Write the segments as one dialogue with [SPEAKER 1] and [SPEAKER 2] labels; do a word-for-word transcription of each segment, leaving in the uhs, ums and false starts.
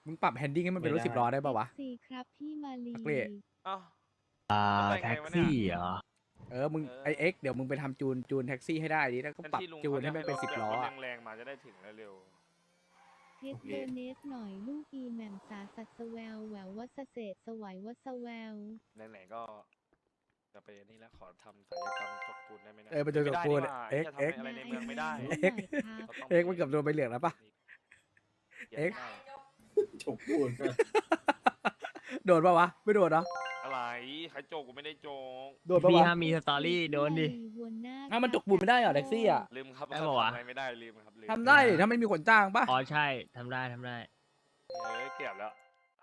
[SPEAKER 1] มึงปรับแฮนดิ้งให้มันเป็นรถสิบล้อได้ป่าวะ
[SPEAKER 2] สี่ครับพี่มาลี
[SPEAKER 1] นักเรียน
[SPEAKER 3] อ้าว
[SPEAKER 4] อ่า
[SPEAKER 3] แล้วไปไง
[SPEAKER 4] แท็ก
[SPEAKER 3] วะเนี่ย
[SPEAKER 4] ซี่เหรอ
[SPEAKER 1] เออมึง
[SPEAKER 3] เออ
[SPEAKER 1] ไอเอ็กเดี๋ยวมึงไปทำจูนจูนแท็กซี่ให้ได้ดิแล้วก็
[SPEAKER 3] เป็น
[SPEAKER 1] ปรับ
[SPEAKER 3] ที่ลุง
[SPEAKER 1] จูนให้
[SPEAKER 3] เขา
[SPEAKER 1] มันเป็นสิบ
[SPEAKER 3] แบบ
[SPEAKER 1] ล้อ
[SPEAKER 3] รถ
[SPEAKER 1] อะ
[SPEAKER 3] แรงๆมาจะได้ถึงเร็ว
[SPEAKER 2] เทสโดเนสหน่อยลูกอีแหม่มสาสัตสแววแหวววัสเศษสวัยวัสแวว
[SPEAKER 3] ๆไหนๆก็จะไปนี่แล้วขอทำศัลยกรรมจกปูนได้ไหมนะ
[SPEAKER 1] เออไปจกปูน
[SPEAKER 3] ไม่ได้
[SPEAKER 1] เอ็ก
[SPEAKER 3] นี่หว่า
[SPEAKER 1] เอ็ก
[SPEAKER 3] จะทำอะไรในเมืองไม่ได้
[SPEAKER 2] เอ็กซ์
[SPEAKER 3] ก็ต้ง
[SPEAKER 1] เอ็กมันเกือบโดนใบเหลืองแล้วปะ เอ็ก
[SPEAKER 5] จบพูด
[SPEAKER 1] โดนปะวะไม่โดนเนาะ
[SPEAKER 3] อะไรใครโจกกูไม่ได้โจก
[SPEAKER 1] โดนปะ
[SPEAKER 4] พี่
[SPEAKER 1] วะ
[SPEAKER 4] ห้ามมีสตอรี่โดนดิ
[SPEAKER 1] อ้าวมันจกปูนไม่ได้เหรอแท็กซี่อ่ะ
[SPEAKER 3] ลืมครับ
[SPEAKER 4] ได้ปะวะ
[SPEAKER 3] ทำอะไรไม่ได้ลืมครับลืม
[SPEAKER 1] ทำได้ดิถ้าไม่มีคนจ้างปะ
[SPEAKER 4] อ๋อใช่ทำได้ทำได้
[SPEAKER 3] เอ้ยเกือบแล้ว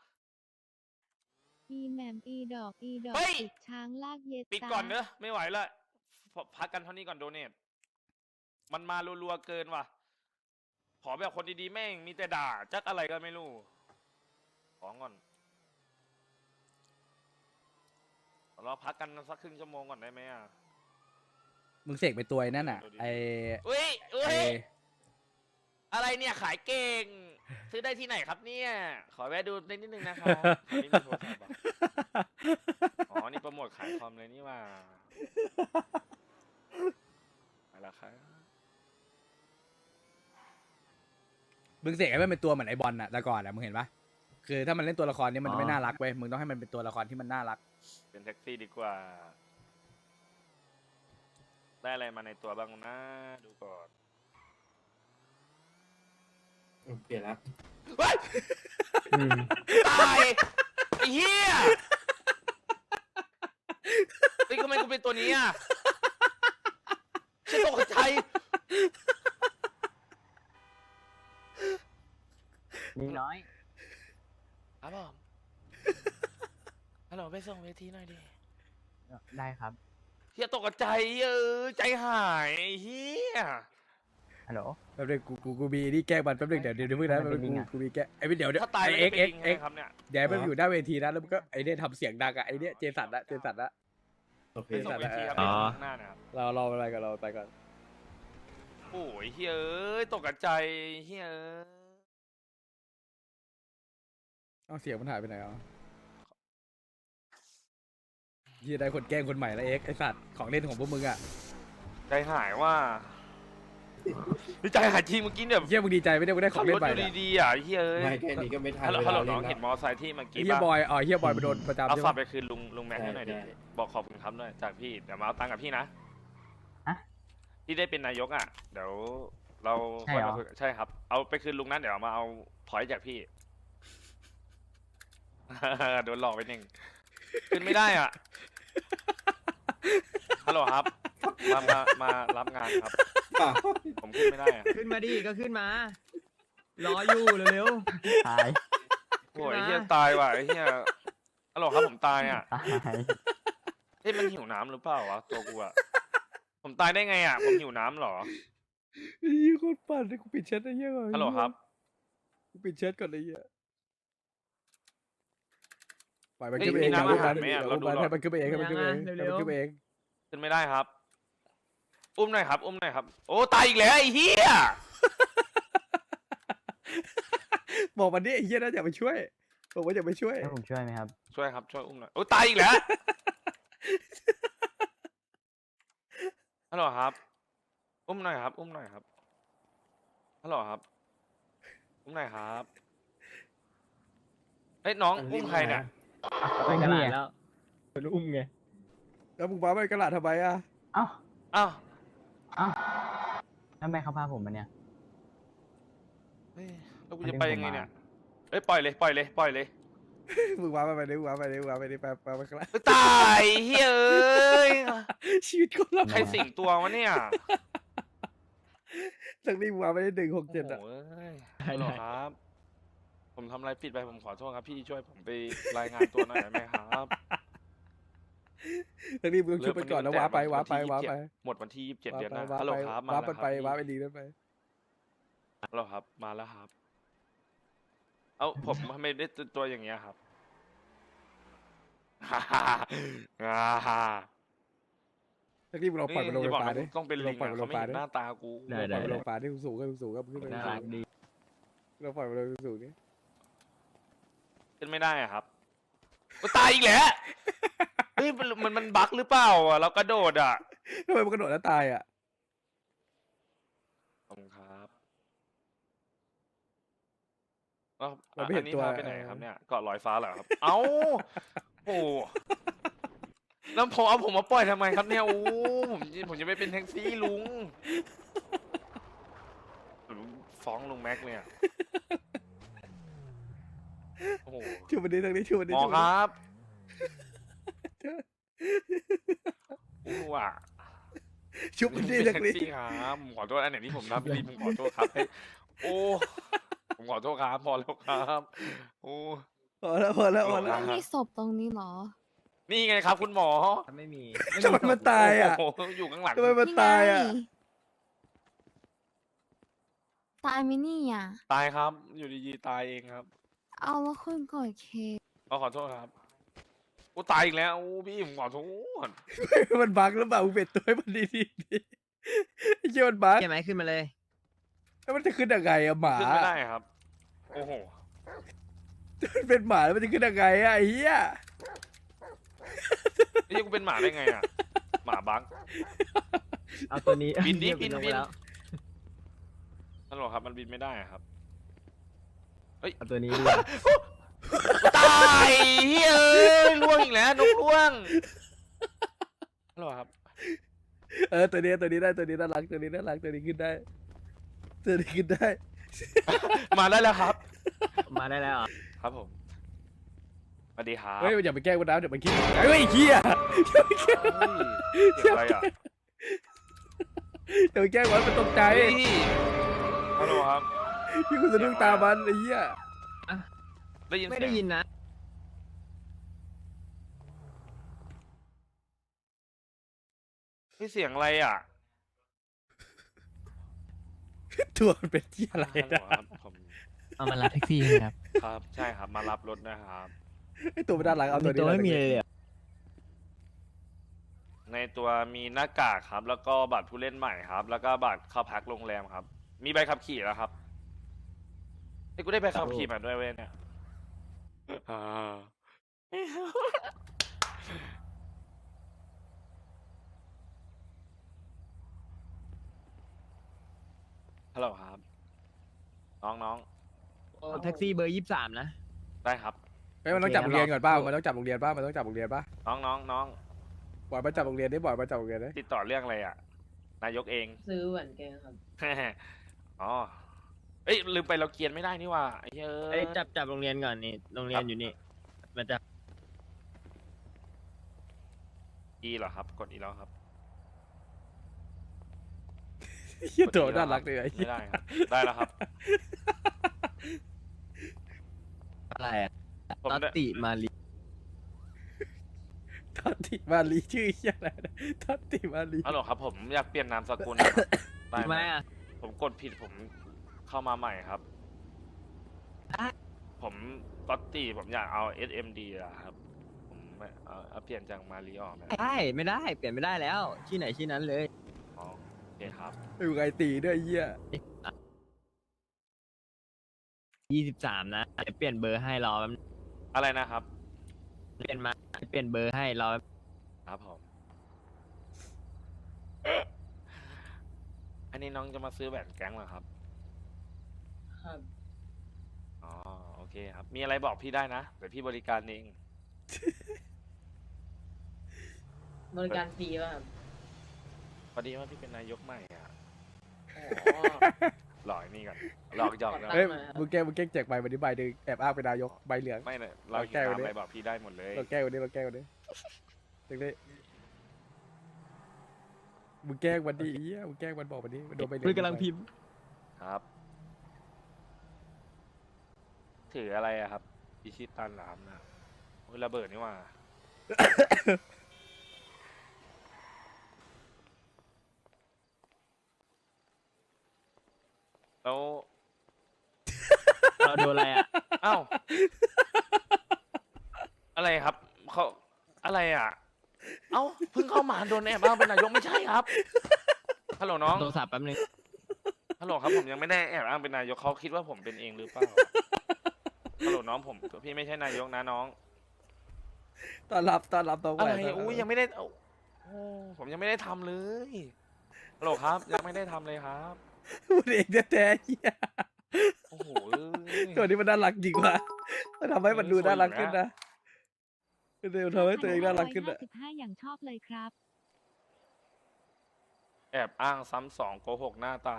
[SPEAKER 2] อีแหม่มอีดอกอีดอก
[SPEAKER 3] เฮ้ย
[SPEAKER 2] ติดช้างลากเย็ด
[SPEAKER 3] ปิดก่อนเนอะไม่ไหวละพอพักกันเท่านี้ก่อนโดเนทมันมารัวๆเกินว่ะ ขอแบบคนดีๆแม่งมีแต่ด่าจักอะไรก็ไม่รู้ของก่อนเราพักกันสักครึ่งชั่วโมงก่อนได้ไหมอ่ะ
[SPEAKER 1] มึงเสกไปตัวไอ้นั่นอ่ะไอ
[SPEAKER 3] อุ้ยอุ้
[SPEAKER 1] ไอย
[SPEAKER 3] อะไรเนี่ยขายเก่ง ซื้อได้ที่ไหนครับเนี่ย ขอแวะดูนิดนึงนะครับอันนี้มีโทรศัพท์เหรออ๋อ นี่โปรโมทขายคอมเลยนี่ว่าอะไรครับ
[SPEAKER 1] มึงเสกให้มันเป็นตัวเหมือนไอบอลน่ะแต่ก่อนอ่ะมึงเห็นปะคือถ้ามันเล่นตัวละครเนี้มัน
[SPEAKER 4] อ๋อ
[SPEAKER 1] ไม่น่ารักเว้ยมึงต้องให้มันเป็นตัวละครที่มันน่ารัก
[SPEAKER 3] เป็นแท็กซี่ดีกว่า ได้อะไรมาในตัวบ้างนะ ดูก่อน
[SPEAKER 5] เปลี่ยนแล้ว
[SPEAKER 3] เฮ้ย
[SPEAKER 4] อืม
[SPEAKER 3] ตายไอ้เหี้ยเฮ้ยทำไมกูเป็นตัวนี้อ่ะฉันตกใจ
[SPEAKER 4] มีน้อย
[SPEAKER 3] ครับผมฮัลโหลไปส่งเวทีหน่อยดิ
[SPEAKER 4] ได้ครับ
[SPEAKER 3] เฮียตกใจเออใจหายไอ้เฮีย
[SPEAKER 4] ฮัลโหล
[SPEAKER 1] แป๊บนึงกูกูกูมีนี่แกล้งมันแป๊บนึงเดี๋ยวเดี๋ยวเดี๋ยวเพิ่งนะ
[SPEAKER 4] มัน
[SPEAKER 1] แป๊บ
[SPEAKER 4] เป็
[SPEAKER 1] นึ
[SPEAKER 4] น
[SPEAKER 1] ง
[SPEAKER 4] ลิง
[SPEAKER 1] กู
[SPEAKER 4] อะ
[SPEAKER 1] กูมีแกล้งไอ้เดี๋ยวเดี๋ยว
[SPEAKER 3] ถ้าตายแล้ว
[SPEAKER 1] ไอ้
[SPEAKER 3] จะ
[SPEAKER 1] เอ็ก
[SPEAKER 3] เป็น
[SPEAKER 1] เอ็ก
[SPEAKER 3] ยังไง
[SPEAKER 1] เอ็ก
[SPEAKER 3] ครับเนี่ย
[SPEAKER 1] เดี๋ยวให้มันอยู่หน้าเวทีนะแล้วมันก็ไอ้เนี่ยทำเสียงดังอะไอ้เนี่ยเจสันละเจสันละ
[SPEAKER 5] โอเค
[SPEAKER 3] ไปส่งเวทีครับ
[SPEAKER 4] อ๋อ
[SPEAKER 3] ข้างหน้านะครับ
[SPEAKER 1] เราเราไปก่อนเราไปก่อน
[SPEAKER 3] โอ้ยเฮียเอ้ยตกใจเฮียเอ้ย
[SPEAKER 1] เอาเสียงมันหายไปไหนอ่ะยี่ได้คนแกล้งคนใหม่แล้วเอ็กไอสัตว์ของเล่นของพวกมึงอ่ะ
[SPEAKER 3] ใจหายว่าใจหายจริงเมื่อกี้เนี่ย
[SPEAKER 1] เฮียมึงดีใจไม่ได้มึงได้ข
[SPEAKER 3] ขั
[SPEAKER 1] อบ ง
[SPEAKER 3] ร
[SPEAKER 1] เล่
[SPEAKER 3] ถ
[SPEAKER 1] นใหม่
[SPEAKER 3] อยู่
[SPEAKER 1] เนี่ย
[SPEAKER 3] ดีๆอ่ะเฮียเอ้ย
[SPEAKER 5] ไม่แค่นี้ก็ไม่ทัน
[SPEAKER 3] ฮัลโหล
[SPEAKER 5] เว
[SPEAKER 3] ฮัลโหล
[SPEAKER 5] ลา
[SPEAKER 3] น้อง
[SPEAKER 5] เล่
[SPEAKER 3] เห็น
[SPEAKER 5] น
[SPEAKER 3] มอ
[SPEAKER 5] แล้ว
[SPEAKER 3] ไซค์ที่เมื่อ
[SPEAKER 1] ไอ้
[SPEAKER 3] กี้
[SPEAKER 1] เฮีย
[SPEAKER 3] ป่ะ
[SPEAKER 1] บอยอ๋อเฮียบอยไปโดนประจำ
[SPEAKER 3] เอา
[SPEAKER 1] ใช่
[SPEAKER 3] ฝาก
[SPEAKER 1] ปะ
[SPEAKER 3] ไปคืนลุงลุงแม็กให้หน่อยดิ
[SPEAKER 5] ใช่
[SPEAKER 3] บอกขอบคุณครับหน่อยจากพี่เดี๋ยวมาเอาตังค์กับพี่นะ
[SPEAKER 4] ฮะ
[SPEAKER 3] ที่ได้เป็นนายกอ่ะ เดี๋ยวเรา
[SPEAKER 4] ใช่เหรอ
[SPEAKER 3] ค่อยมาคุยใช่ครับ เอาไปคืนลุงนั้นเดี๋ยวมาเอาพอยต์จากพี่ โดนหลอกไปหนึ่งขึ้นไม่ได้อ่ะฮัลโหลครับ มามามารับงานครับ
[SPEAKER 5] ป่ะ
[SPEAKER 3] ผมขึ้นไม่ได้อ่ะ
[SPEAKER 4] ขึ้นมาดิก็ขึ้นมา รออยู่เร็วๆตาย
[SPEAKER 3] โอ้ย
[SPEAKER 4] ขึ้นมา
[SPEAKER 3] เฮียตายว่ะไอ้เฮียฮัลโหลครับผมตายอ่ะ
[SPEAKER 4] ตาย
[SPEAKER 3] เฮ้ยมันหิวน้ำหรือเปล่าวะตัวกูอ่ะผมตายได้ไงอ่ะผมหิวน้ำเหรอ
[SPEAKER 1] ไอ้เฮียโคตรปั่นเลยกูปิดแชทไอ้เฮียก่อน
[SPEAKER 3] ฮัลโหลครับ
[SPEAKER 1] กูปิดแชทก่อนไอ้เฮียปล่อยมัน
[SPEAKER 3] เฮ้ย
[SPEAKER 1] ขึ้นไปเอง
[SPEAKER 3] มีน้ำ
[SPEAKER 1] เดี๋ยว
[SPEAKER 3] อาหารไหมอะ
[SPEAKER 1] เดี๋ยว
[SPEAKER 3] เราดู
[SPEAKER 1] มัน
[SPEAKER 3] หน่อย
[SPEAKER 1] ให้มันขึ้นไปเองให้มันขึ้นไปเองให้มันขึ้นไปเอง
[SPEAKER 3] ขึ้นไม่ได้ครับ อุ้มหน่อยครับ อุ้มหน่อยครับ โอ้ตายอีกแล้วไอ้เฮีย
[SPEAKER 1] บอกมันดิไอ้เฮียน่าจะไปช่วยบอกว่าจะไปช่วย
[SPEAKER 4] ให้ผมช่วยไหมครับ
[SPEAKER 3] ช่วยครับช่วยอุ้มหน่อยโอ้ตายอีกแล้วฮัลโหลครับ อุ้มหน่อยครับ อุ้มหน่อยครับฮัลโหลครับ อุ้มหน่อยครับเอ้ยน้องอุ้มใครเนี่ย
[SPEAKER 4] เป็นกระดาษแล้วเป็นอุ้มไง
[SPEAKER 1] แล้วมึงมาไปกระดาษทำไมอ่ะ
[SPEAKER 4] เอ้า
[SPEAKER 3] อ้าว
[SPEAKER 4] เอ้าแล้วทำไมเขาพาผมมาเนี่ย
[SPEAKER 3] เฮ้ยแล้วกูจะไปยังไงเนี่ยเอ้ยปล่อยเลยปล่อยเลยปล่อยเลย
[SPEAKER 1] มึงมาไปไปดิมึงมาไปดิมึงมาไปดิไปไปไปกระดาษ
[SPEAKER 3] เอ้ยตายเฮ้ยเอ้ย
[SPEAKER 1] ชีวิตคนละ
[SPEAKER 3] ใครสิงตัววะเนี่ย
[SPEAKER 1] ทั้งนี้มึงมาไปได้หนึ่งหกเจ็ดอ่ะ
[SPEAKER 3] โอ้โหเอ้ยฮัลโหลครับ ผมทำอะไรผิดไปผมขอโทษครับพี่ช่วยผมไปรายงานตัวหน่อยได้ไหมครับ
[SPEAKER 1] ทั้งนี้มึงต้องช่วยมันก่อนแล้วว้าไปว้าไปว้าไป
[SPEAKER 3] หมดวันที่ยี่สิบเจ็ด
[SPEAKER 1] ว้า
[SPEAKER 3] เดือน
[SPEAKER 1] ไป
[SPEAKER 3] หน้า
[SPEAKER 1] ว้า
[SPEAKER 3] ฮัลโหล
[SPEAKER 1] ไป
[SPEAKER 3] ครับมา
[SPEAKER 1] ว้า
[SPEAKER 3] แล้ว
[SPEAKER 1] มัน
[SPEAKER 3] ค
[SPEAKER 1] ไป
[SPEAKER 3] รับ
[SPEAKER 1] ว้าไป
[SPEAKER 3] พี่
[SPEAKER 1] ดีนั่นไป
[SPEAKER 3] ฮัลโหลครับ มาแล้วครับ เอ้าผมทำไมได้ตัวอย่างเงี้ยครับ ฮ่าฮ่าฮ่าฮ่า
[SPEAKER 1] ทั้งนี้มึงลองปล่อยมันลง
[SPEAKER 3] นี่
[SPEAKER 1] ไฟ
[SPEAKER 3] บอก
[SPEAKER 1] ฟ้า
[SPEAKER 3] นะ
[SPEAKER 1] ดิ
[SPEAKER 3] ต้องเป็นลิง
[SPEAKER 1] ปล่อย
[SPEAKER 3] อะ
[SPEAKER 1] มันล
[SPEAKER 3] เขา
[SPEAKER 1] ง
[SPEAKER 3] ไม่
[SPEAKER 1] ฟ้า
[SPEAKER 3] เห็น
[SPEAKER 1] ดิ
[SPEAKER 3] หน้าตากู
[SPEAKER 4] ได้
[SPEAKER 1] ปล่อยมันลงฟ้าดิสูงก็สูงก็ขึ้นไป
[SPEAKER 4] น่ารักดี
[SPEAKER 1] เราปล่อยมันลงสูงดิ
[SPEAKER 3] ขึ้นไม่ได้อะครับอุ๊ยตายอีกแล้วเฮ้ยมันมันมันบั๊กหรือเปล่าอ่ะเรากระโดดอ่ะ
[SPEAKER 1] ทำไมมันกระโดดแล้วตายอ่ะ
[SPEAKER 3] ขอบคุณครับแล้ว
[SPEAKER 1] เราไม่เห็น
[SPEAKER 3] อั
[SPEAKER 1] ตัว
[SPEAKER 3] พาไปไหนครับเนี่ยเกาะลอยฟ้าเหรอครับ เอ้าโอ้แล้วผมเอาผมมาปล่อยทำไมครับเนี่ยโอ้ผมผมจะไม่เป็นแท็กซี่ลุงผมฟ้องลุงแม็กเนี่ยโอ้โห
[SPEAKER 1] ชูมันดีทางนี้ชูมันดี
[SPEAKER 3] หมอ
[SPEAKER 1] ชูมัน
[SPEAKER 3] ค
[SPEAKER 1] ดิ
[SPEAKER 3] รับอู้อ่ะ
[SPEAKER 1] ชูมันดี
[SPEAKER 3] เป็
[SPEAKER 1] ทาน ง
[SPEAKER 3] แท็ก
[SPEAKER 1] นี้
[SPEAKER 3] ซี่ครับผมขอโทษอันไหนที่ผมทำไม่ดีผมขอโทษครับให้โอ้ผมขอโทษครับพอแล้วครับโอ้
[SPEAKER 1] พอแล้วพอแล้วพอแล้ว
[SPEAKER 6] ไม่มีศพตรงนี้เหรอ
[SPEAKER 3] นี่ไงครับ คุณหมอ
[SPEAKER 4] ไม่มี
[SPEAKER 1] ทำไมมันตายอ่ะ
[SPEAKER 3] โอ้โหอยู่ข้างหลัง
[SPEAKER 1] ทำไมมันตายอ่ะ
[SPEAKER 6] นี่ไงตายไหมินี่อ่ะ
[SPEAKER 3] ตายครับ อยู่ดีๆตายเองครับ
[SPEAKER 6] เอาแล้วคุณกดเคส
[SPEAKER 3] ก็ขอโทษครับโอ้ตายอีกแล้วโอ้พี่ผมขอโทษ
[SPEAKER 1] มันบั๊กหรือเปล่ามึงเปลี่ยนตัวให้มันดีดีดีไอ้เหี้ยมันบั๊ก
[SPEAKER 4] ใช่ไหมขึ้นมาเลย
[SPEAKER 1] แล้วมันจะขึ้นยังไงอะหมา
[SPEAKER 3] ขึ้นไม่ได้ครับ โอ้โห
[SPEAKER 1] มันเป็นหมาแล้วมันจะขึ้นยังไงอะไอ้เหี้ย
[SPEAKER 3] นี่กูเป็นหมาได้ไงอ่ะหมาบัง
[SPEAKER 4] เอาตัวนี้
[SPEAKER 3] บินดิ
[SPEAKER 4] เรียก
[SPEAKER 3] บิน
[SPEAKER 4] ลง
[SPEAKER 3] บิ
[SPEAKER 4] ไป
[SPEAKER 3] น
[SPEAKER 4] แล้ว
[SPEAKER 3] นั่นหรอครับ มันบินไม่ได้อะครับ
[SPEAKER 4] เอาตัวนี้ดี
[SPEAKER 3] ตายเฮ้ยล่วงอีกแล้วนกล่วงนั่นหรอครับ
[SPEAKER 1] เออตัวนี้ตัวนี้ได้ตัวนี้น่ารักตัวนี้น่ารักตัวนี้ขึ้นได้ตัวนี้ขึ้นได้
[SPEAKER 3] มาได้แล้วครับ
[SPEAKER 4] มาได้แล้วเหรอ
[SPEAKER 3] ครับผมสวัสดีครับ
[SPEAKER 1] เฮ้ยอย่าไปแกล้งมันนะเดี๋ยวมันคิดเฮ้ยไอ้เหี้ย
[SPEAKER 3] เฮ้ยเสียงอะไรอ่ะ
[SPEAKER 1] อย่าไปแกล้งมันมันตกใจ
[SPEAKER 3] เฮ้ยฮัลโหลครับ
[SPEAKER 1] พี่คุณสะดุ้งตามันไอ้เหี้ย
[SPEAKER 3] ได้ยิน
[SPEAKER 4] ไม่
[SPEAKER 3] เสี
[SPEAKER 4] ได้
[SPEAKER 3] ยง
[SPEAKER 4] ยินนะ
[SPEAKER 3] เฮ้ยเสียงอะไรอ่ะ
[SPEAKER 1] ตัวมันเป็นเหี้ยอะไร
[SPEAKER 3] ฮัลโหล
[SPEAKER 1] นะครับ
[SPEAKER 3] ผม
[SPEAKER 4] เอามารับแท็กซี่ครับ
[SPEAKER 3] ครับใช่ครับมารับรถนะครับ
[SPEAKER 1] ไอ้ตัวมันน่ารักเอาตัวนี้
[SPEAKER 4] ตัวไม่มีเลยเหรอ
[SPEAKER 3] ในตัวมีหน้ากากครับ แล้วก็บัตรผู้เล่นใหม่ครับ แล้วก็บัตรเข้าพักโรงแรมครับ มีใบขับขี่แล้วครับไอ้ยกูได้ใบขับขี่มาด้วยเว้ยเนี่ยอ่าฮัลโหลครับ น้องน้อง
[SPEAKER 4] โอ้แท็กซี่เบอร์ยี่สิบสามนะ
[SPEAKER 3] ได้ครับ
[SPEAKER 1] เฮ้ยมันต้องจับโรงเรียนก่อนป่ะมันต้องจับโรงเรียนป่ะมันต้องจับโรงเรียนป่ะ
[SPEAKER 3] น้องน้องน้อง
[SPEAKER 1] บ่อยมาจับโรงเรียนได้บ่อยมาจับโรงเรียนได้
[SPEAKER 3] ติดต่อเรื่องอะไรอ่ะ นายกเอง
[SPEAKER 7] ซื้อแหวนแกครับ
[SPEAKER 3] อ๋อ เอ้ยลืมไปเราเกียนไม่ได้นี่ว่าไอ้เหี้ย
[SPEAKER 4] เอ้ยจับจับโรงเรียนก่อนนี่ โรงเรียนอยู่นี่ มันจะ
[SPEAKER 3] อีเหรอครับ กดอีแล้วครับ
[SPEAKER 1] เหี้ยตัวน่ารักเลยไอ้เหี้
[SPEAKER 3] ไม่
[SPEAKER 1] ย
[SPEAKER 3] ได้ครับ ได้แล้วครับ
[SPEAKER 4] อะไรอะ
[SPEAKER 3] ผม
[SPEAKER 4] ตอ
[SPEAKER 3] ได้
[SPEAKER 4] ติมาลี
[SPEAKER 1] ทัตติมาลีชื่อเหี้ยอะไรนะทัตติมาลี
[SPEAKER 3] ฮัลโหลครับ ผมอยากเปลี่ยนนามสกุลนะครับได้
[SPEAKER 4] ทำ
[SPEAKER 3] ไห
[SPEAKER 4] ไม
[SPEAKER 3] ม
[SPEAKER 4] อ่ะ
[SPEAKER 3] ผมกดผิดผมเข้ามาใหม่ครับ ผมก็ตตี้ผมอยากเอา เอส เอ็ม ดี อะครับ ผมไม่เอาเอาเปลี่ยนจากมารีออกนะ
[SPEAKER 4] ได้ ไม่ได้ เปลี่ยนไม่ได้แล้ว ที่ไหนที่นั้นเลย
[SPEAKER 3] อ๋อโอเคครับ
[SPEAKER 1] อยู่ไงตีด้วยไอ้เหี้ย
[SPEAKER 4] ยี่สิบสามนะเดี๋ยวเปลี่ยนเบอร์ให้รอแป๊บนึง
[SPEAKER 3] อะไรนะครับ
[SPEAKER 4] เปลี่ยนมา เปลี่ยนเบอร์ให้รอแป๊บ
[SPEAKER 3] ครับผม อันนี้น้องจะมาซื้อแหวนแก๊งเหรอครับ
[SPEAKER 7] ครับ
[SPEAKER 3] อ๋อโอเคครับ มีอะไรบอกพี่ได้นะเดี๋ยวพี่บริการเอง
[SPEAKER 7] บริการฟรีป่ะครับ
[SPEAKER 3] พอดีว่าพี่เป็นนายกใหม่อ่ะ
[SPEAKER 7] อ๋อ
[SPEAKER 3] หลอกไอ้นี่ก่อนหลอกหยอกนะ
[SPEAKER 1] เฮ้ยมึงแกล้งมึงแกล้งแจกใบวันนี้ใบหนึ่งแอบอ้างเป็นนายกใบเหลือง
[SPEAKER 3] ไม่เนี่ยเรา
[SPEAKER 1] เรา
[SPEAKER 3] แก้
[SPEAKER 1] แก้
[SPEAKER 3] ว
[SPEAKER 1] ไว้ดิ
[SPEAKER 3] อะไรบอกพี่ได้หมดเลย
[SPEAKER 1] เราแกล้งวันนี้เราแกล้งวันนี้ถึงได้มึงแกล้งวันนี้ไอ้เหี้ยมึงแกล้งวันบอกวันนี้มันโดนใบเหลือง
[SPEAKER 4] มึงกำลังพิมพ์
[SPEAKER 3] ครับ ถืออะไรอะครับอิชิตันเหรอครับนะโอ้ยระเบิดนี่หว่า แล้ว
[SPEAKER 4] เราโดนอะไรอ่ะ
[SPEAKER 3] อ้าว อะไรครับเขาอะไรอ่ะ เอ้าเพิ่งเข้ามาโดนแอบอ้างเป็นนายกไม่ใช่ครับฮัลโหลน้อง
[SPEAKER 4] โทรศัพท์แป๊บนึง
[SPEAKER 3] ฮัลโหลครับผมยังไม่ได้แอบอ้างเป็นนายกเขาคิดว่าผมเป็นเองหรือเปล่าฮัลโหลน้องน้องผมพี่ไม่ใช่นายกนะน้อง
[SPEAKER 1] ต้อนรับต้อนรับน้องให
[SPEAKER 3] อะไร
[SPEAKER 1] ม่ต้นรับ
[SPEAKER 3] อุ้ยยังไม่ได้เอาโอ้ผมยังไม่ได้ทำเลยฮัลโหลครับ ยังไม่ได้ทำเลยครับ
[SPEAKER 1] พูดเองแท้ๆเหี้ย
[SPEAKER 3] โอ้โหเอ้ย
[SPEAKER 1] ตัวนี้มันน่ารักจริงว่ะมันทำให้มันดูน่ารักขึ้นนะเดี๋ยวทำให้ตัวเองน่ารักขึ้น
[SPEAKER 2] ห้า
[SPEAKER 1] อะ
[SPEAKER 2] สิบห้าอย่างชอบเลยครับ
[SPEAKER 3] แอบอ้างซ้ำสองโกหกหน้าตาย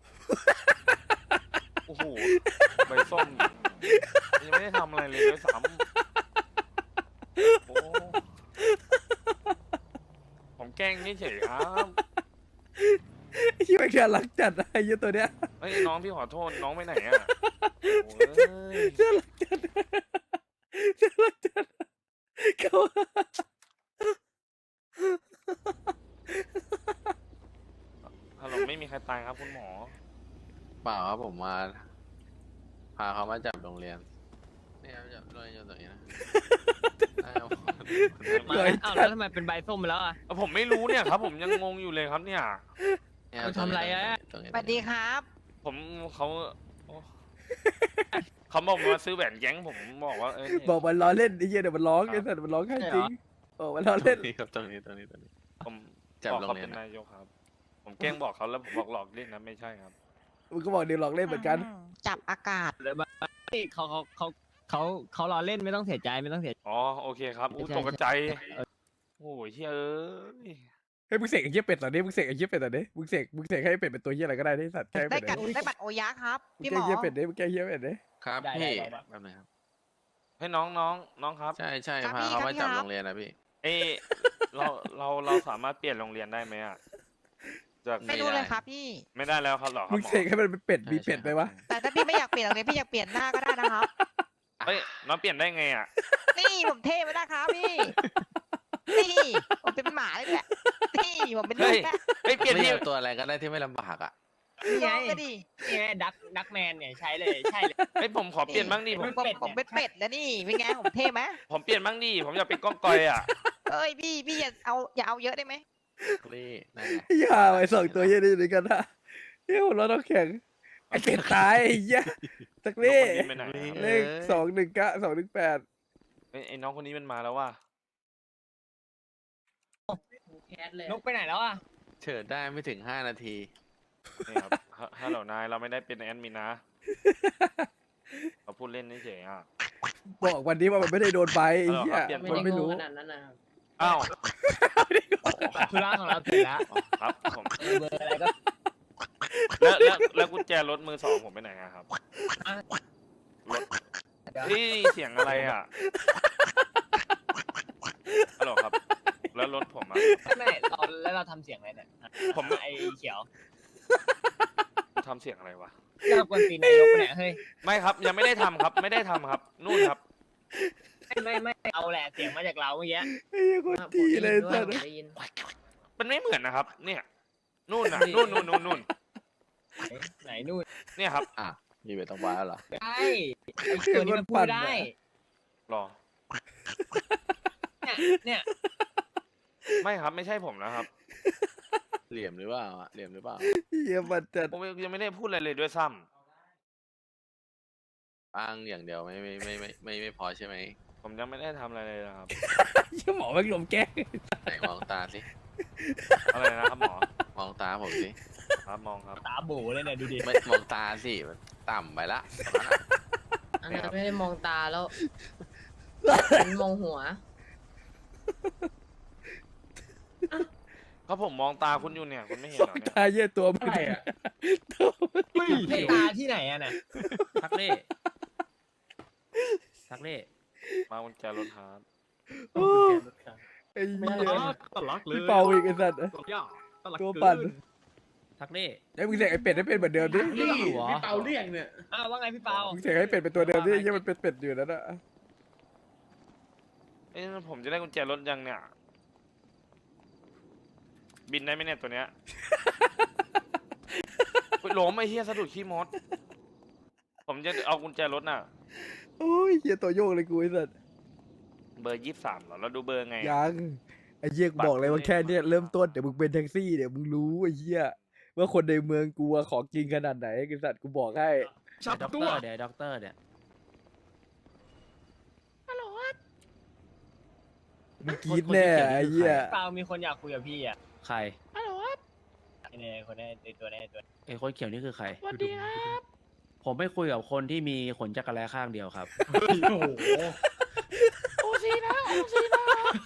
[SPEAKER 3] โอ้โห ใบส้ม ยังไม่ได้ทำอะไรเลยด้วยซ้ำโอ้ผมแกล้งเฉยๆครับ
[SPEAKER 1] ไอ้เหี้ยแม่งน่ารักจัดนะไอ้เหี้ยตัวเนี้ย
[SPEAKER 3] เฮ้ยน้องพี่ขอโทษน้องไปไหนอ่ะโอ้ย
[SPEAKER 1] น่ารักจัดน่ารักจัดเขา
[SPEAKER 3] ฮัลโหลไม่มีใครตายครับคุณหมอ
[SPEAKER 8] เปล่าครับผมมา พาเขามาจับโรงเรียนนี่ครับจับโรงเรียนอยู่ตรงนี้นะได้ครับ
[SPEAKER 4] มาแล้วอ้าวแล้วทำไมเป็นใบส้มไปแล้วอ่ะ
[SPEAKER 3] เอ้าผมไม่รู้เนี่ยครับ ผมยังงงอยู่เลยครับเนี่ย
[SPEAKER 8] เนี่ย
[SPEAKER 4] มันทำอะไรอะ
[SPEAKER 8] ตรงนี้
[SPEAKER 7] สวัสดีครับ
[SPEAKER 3] ผมเขาโอ้เขาบอกมาซื้อแหวนแก๊งผมบอกว่าเอ้ย
[SPEAKER 1] บอกมันล้อเล่นไอ้เหี้ยเดี๋ยวมันร้องไอ้สัตว์มันร้องแค่จริงบอกมันล้อ
[SPEAKER 8] ตร
[SPEAKER 1] เล่น
[SPEAKER 8] งนี้ครับตรงนี้ตรงนี้ตรงนี้
[SPEAKER 3] ผม
[SPEAKER 8] จับ
[SPEAKER 3] บอก
[SPEAKER 8] โรง
[SPEAKER 3] เขา
[SPEAKER 8] เรียน
[SPEAKER 3] เป็น
[SPEAKER 8] นะ
[SPEAKER 3] นายกครับ ผมแกล้งบอกเขาแล้วผมบอกหลอกเล่นนะไม่ใช่ครับ
[SPEAKER 1] มึงก็บอกเดี๋ยวหลอกเล่นเหมือนกัน
[SPEAKER 7] จับอากาศ
[SPEAKER 4] เลยมาเฮ้ยเขาเขาเขาเขาเขารอเล่นไม่ต้องเสียใจไม่ต้องเสียใจ
[SPEAKER 3] อ๋อโอเคครับอู้
[SPEAKER 4] ใช่
[SPEAKER 3] ตกใจ
[SPEAKER 4] เออ
[SPEAKER 3] โอ้ยเฮ้ยเอ้ย
[SPEAKER 1] เฮ้ยมึงเสกไอ้เหี้ยเป็ดตอนนี้มึงเสกไอ้เหี้ยเป็ดตอนนี้มึงเสกมึงเสกให้เป็ดเป็นตัวเหี้ยอะไรก็ได้ที่สัตว์แกล้ง
[SPEAKER 7] ได้
[SPEAKER 1] เป็ด
[SPEAKER 7] กัด
[SPEAKER 1] เลย
[SPEAKER 7] ได้บัตรโอยะครับ
[SPEAKER 1] มึง
[SPEAKER 7] พี่ห
[SPEAKER 1] แก
[SPEAKER 7] ม
[SPEAKER 1] ล้ง
[SPEAKER 7] อ
[SPEAKER 1] เหี้ยเป็ดดิมึงแกล้งเหี้ยเป็ดดิ
[SPEAKER 8] ครับ
[SPEAKER 4] ได้
[SPEAKER 8] พี่
[SPEAKER 4] ได้ได้
[SPEAKER 8] แป๊บนึงครับ
[SPEAKER 3] ให้น้องน้องน้องครับ
[SPEAKER 8] ใช่ใช่
[SPEAKER 7] ครับ
[SPEAKER 8] พา
[SPEAKER 7] พี่
[SPEAKER 8] เขา
[SPEAKER 7] ครับ
[SPEAKER 8] มา
[SPEAKER 7] พี่
[SPEAKER 8] จับ
[SPEAKER 7] ครับ
[SPEAKER 8] โรงเรียนนะพี่
[SPEAKER 3] เอยเราเราเราสามารถเปลี่ยนโรงเรียนได้ไหมอ่ะจาก
[SPEAKER 7] ไม่รู้เลยครับพี่
[SPEAKER 3] ไม่ได้แล้วครับหรอครั
[SPEAKER 1] มึ
[SPEAKER 3] บ
[SPEAKER 1] ง
[SPEAKER 3] หมอ
[SPEAKER 1] เสกให้มันเป็นเป็ดมี
[SPEAKER 8] ใช่
[SPEAKER 1] เป็ด
[SPEAKER 8] ใช่
[SPEAKER 1] ไหมวะ
[SPEAKER 7] แต่ถ้าพี่ไม่อยากเปลี่ยนโรงเรียนพี่อยากเปลี่ยนหน้าก็ได้นะครับ
[SPEAKER 3] เฮ้ยน้องเปลี่ยนได้ไงอ่ะ
[SPEAKER 7] นี่ผมเท่ไปนะครับพี่ นี่ผมเป็นหมาเลยแหละนี่ผมเป็นลู
[SPEAKER 3] เฮ้
[SPEAKER 7] ก
[SPEAKER 3] ย
[SPEAKER 7] แก
[SPEAKER 3] เฮ้ยเปลี่ยน
[SPEAKER 8] ไม่
[SPEAKER 3] ที่
[SPEAKER 8] เอาตัวอะไรก็ได้ที่ไม่ลำบากอ่ะ
[SPEAKER 4] นี่ไง
[SPEAKER 7] ลองก็ดิ
[SPEAKER 4] นี่ไงดักดักแมนเนี่ยใช้เลยใช่เลย
[SPEAKER 3] เฮ้ยผมขอเปลี่ยนบ้างดิผม
[SPEAKER 7] ผมผมเป็นเป็ดแล้วนี่เป็นไงผมเท่ไหม
[SPEAKER 3] ผมเปลี่ยนบ้างดิผมอยากเป็นก้องกอยอ่ะ
[SPEAKER 7] เอ้ยพี่พี่อย่าเอาอย่าเอาเยอะได้ไหม
[SPEAKER 8] นี่นั่นไง
[SPEAKER 1] อย่าไอ้สองตัวเหี้ยนี่ด้วยกันนะเหี้ยหัวเราะต้องแข็งไอ้เป็ดตายไอ้เหี้ยสัก
[SPEAKER 3] น้อง
[SPEAKER 1] เล่
[SPEAKER 3] คนนี้ไปไหนอะ
[SPEAKER 1] เลขสองหนึ่งเก้าสองหนึ่งแปด
[SPEAKER 3] เฮ้ยไอ้น้องคนนี้มันมาแล้วว่ะ
[SPEAKER 7] แคสเลย
[SPEAKER 4] นกไปไหนแล้วอ่ะ
[SPEAKER 8] เฉิดได้ไม่ถึงห้านาที
[SPEAKER 3] นี่ครับฮะฮัลโหลนายเราไม่ได้เป็นแอดมินนะเราพูดเล่นเฉยๆอ่ะ
[SPEAKER 1] บอกวันนี้ว่ามันไม่ได้โดนใบไอ้เหี้ย
[SPEAKER 3] เปลี่ยน
[SPEAKER 1] มันไม่รู้
[SPEAKER 7] ขนาดนั้นนะครับ
[SPEAKER 3] อ้าว
[SPEAKER 4] ธุระของเราเสร็จแล้ว
[SPEAKER 3] ครับผม
[SPEAKER 4] เออเบอร์อะไรก็
[SPEAKER 3] แล้วแล้วแล้วกุญแจรถมือสองผมไปไหนอะครับ
[SPEAKER 4] อ่ะ
[SPEAKER 3] รถเฮ้ยเสียงอะไรอ่ะฮัลโหลครับ แล้วรถผมอ่ะ
[SPEAKER 4] ไม่เราแล้วเราทำเสียงอะไรเนี่ย
[SPEAKER 3] ผม
[SPEAKER 4] ไอ้เขียว
[SPEAKER 3] ทำเสียงอะไรวะ
[SPEAKER 4] เราควรตีนายกไปไหนยเฮ้ย
[SPEAKER 3] ไม่ครับยังไม่ได้ทำครับ ไม่ได้ทำครับ นู่นครับ
[SPEAKER 4] ไม่ไม่ไม่เอาแหละเสียงมาจากเราเมื่อกี้
[SPEAKER 1] ไอ้เหี้ยโคนตีเลยสัตว์
[SPEAKER 3] มันไม่เหมือนนะครับ เนี่ยนู่นน่ะนู่นนู่นนู่นนู่น
[SPEAKER 4] ไหนไหนนู่น
[SPEAKER 3] เนี่ยครับ
[SPEAKER 8] อ่ะมีเวทต้องว้าแล้วเหรอ
[SPEAKER 4] ใช่ไอ้ตัวนี้มันพูดได้
[SPEAKER 3] รอ
[SPEAKER 4] เนี่ยเนี่ย
[SPEAKER 3] ไม่ครับไม่ใช่ผมนะครับ
[SPEAKER 8] เหลี่ยมหรือเปล่าอ่ะเหลี่ยมหรือเปล่า
[SPEAKER 1] เหี้ยมันจัด
[SPEAKER 3] ผมยังไม่ได้พูดอะไรเลยด้วยซ้
[SPEAKER 8] อ้างอย่างเดียวไม่ไม่ไม่ไม่ไม่ไม่พอใช่ไหม
[SPEAKER 3] ำผมยังไม่ได้ทำอะไรเลยนะครับ
[SPEAKER 1] เหี้ยหมอแม่งลมแกล้ง
[SPEAKER 8] ไหนมองตาสิ
[SPEAKER 3] อะไรนะครับหมอ
[SPEAKER 8] มองตาผมสิ
[SPEAKER 3] ครับมองครับ
[SPEAKER 4] ตาโบเลยเนี่ยดูดิ
[SPEAKER 8] ไม่มองตาสิมันต่ำไปละตรงนั้นอะ
[SPEAKER 7] อันนั้นไม่ได้มองตาแล้วมันมองหัว
[SPEAKER 3] เพราะผมมองตาคุณอยู่เนี่ยคุณไม่เห็น
[SPEAKER 1] ส
[SPEAKER 3] เห
[SPEAKER 1] อ
[SPEAKER 3] รง อเนี่ย
[SPEAKER 1] ตาเหี้ยตัวมัน
[SPEAKER 9] อะไรอะ
[SPEAKER 1] ตัวมัน
[SPEAKER 4] เฮ้ยให้ตาที่ไหนอะน่ะ
[SPEAKER 9] ทักเล่ทักเล่
[SPEAKER 3] มากุญแจรถครับ
[SPEAKER 1] โอ้ไอ้เหี้ย
[SPEAKER 4] ตลักเลย
[SPEAKER 1] พี่เปาอีกไอ้สัตว์ ตัวปั่น
[SPEAKER 9] ทักเล่
[SPEAKER 1] ไอ้มึงเสกไอ้เป็ดให้เป็นเหมือนเดิมดิ
[SPEAKER 9] เรียกหัว
[SPEAKER 5] พี่เปาเรียกเนี่ย
[SPEAKER 4] อ้าวว่าไงพี่เปา
[SPEAKER 1] มึงเสกให้เป็ดเป็นตัวเดิมดิยังมันเป็นเป็ดอยู่นั่นน่ะ
[SPEAKER 3] เอ้ยผมจะได้กุญแจรถยังเนี่ย บินได้ไหมเนี่ยตัวเนี้ย อุ๊ยล้มไอ้เหี้ยสะดุดขี้มด ผมจะเอากุญแจรถน่ะ
[SPEAKER 1] โอ้ยเหี้ยตัวโยกเลยกูไอ้สัตว์
[SPEAKER 3] เบอร์ยี่สิบสามเหรอเราดูเบอร์ไง
[SPEAKER 1] ยังไอ้เหี้ยกูบอกเลยว่าแค่เนี้ยเริ่มต้นเดี๋ยวมึงเป็นแท็กซี่เดี๋ยวมึงรู้ไอ้เหี้ยว่าคนในเมืองกูอะของจริงขนาดไหนไอ้สัตว์กูบอกให้
[SPEAKER 9] ด็อกเตอร์เดี๋ยวด็อกเตอร์เนี่ย
[SPEAKER 1] มึงกรีดแน่ไอ้เหี้ย
[SPEAKER 4] เปล่ามีคนอยากคุยกับพี่อ่ะ
[SPEAKER 9] ใคร
[SPEAKER 4] เนี่ยคนนี้ในตัวนี้ตัว
[SPEAKER 9] ไอ้คนเขียวนี่คือใครสวัสดีครับ ผมไม่คุยกับคนที่มีขนจักรแลข้างเดียวครับ
[SPEAKER 5] โอ้โห
[SPEAKER 3] โอซีนะโอซีนะ